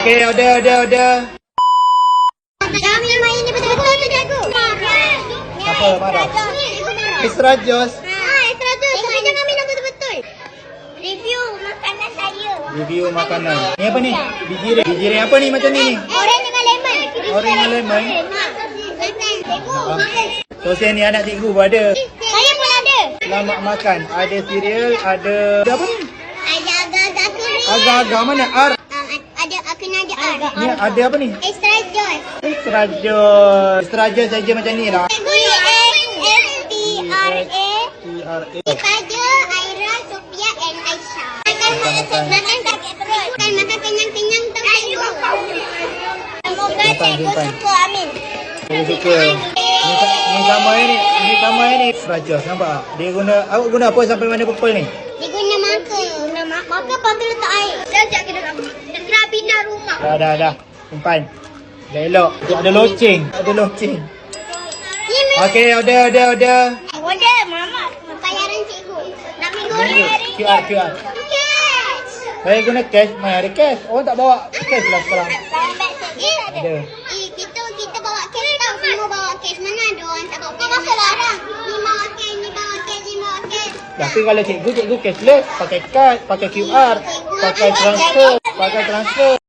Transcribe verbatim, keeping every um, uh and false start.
Okay, order, order, order. Kami main ni betul-betul tu jago. Apa, marah? Extra Joss. Ah, extra tu. Tapi jangan minum betul-betul. Review makanan saya. Review makanan. Ni apa ni? Biji ring. Biji ring apa ni macam ni ni? Orange dengan lemon. Orange dengan lemon. Makan. Sosen ni anak cikgu pun ada. Saya pun ada. Selamat makan. Ada cereal, ada... Ada apa ni? Ada agak-agak kering. Agak-agak mana? R. Ah, ada aku nak ada R. Ni ada apa ni? Extra juice. Extra Joss. Extra Joss saja macam ni lah. Cikgu ni S T R A. T R A. Pada Aira, Sophia and Aisyah. Makan makan makan sakit perut. Makan makan kenyang-kenyang tu cikgu. Semoga cikgu suka, amin. Saya suka. Ni, ni sama ni. Ni sama ni. Extra Joss, nampak tak? Dia guna... Awak guna apa sampai mana purple ni? Dia guna marker. Guna marker pakai letak air. Sekejap kita nak nak pindah rumah. Dah, dah, dah. Simpan. Dah elok. Ada loceng. Ada loceng. Ni memang. Okey, order, order, order. Order, mama. Bayaran cikgu. Nak ambil goreng. Q R, Q R. Cash. Saya guna cash. Mana ada cash? Orang tak bawa cash lah sekarang. Lambat sikit. Ada. Eh, kita kita bawa cash tau. Semua bawa cash. Mana ada orang tak bawa cash. Masa larang. Ni bawa cash, ni bawa cash, ni bawa cash. Tapi kalau cikgu, cikgu cashless. Pakai kad, pakai Q R, pakai transfer, pakai transfer.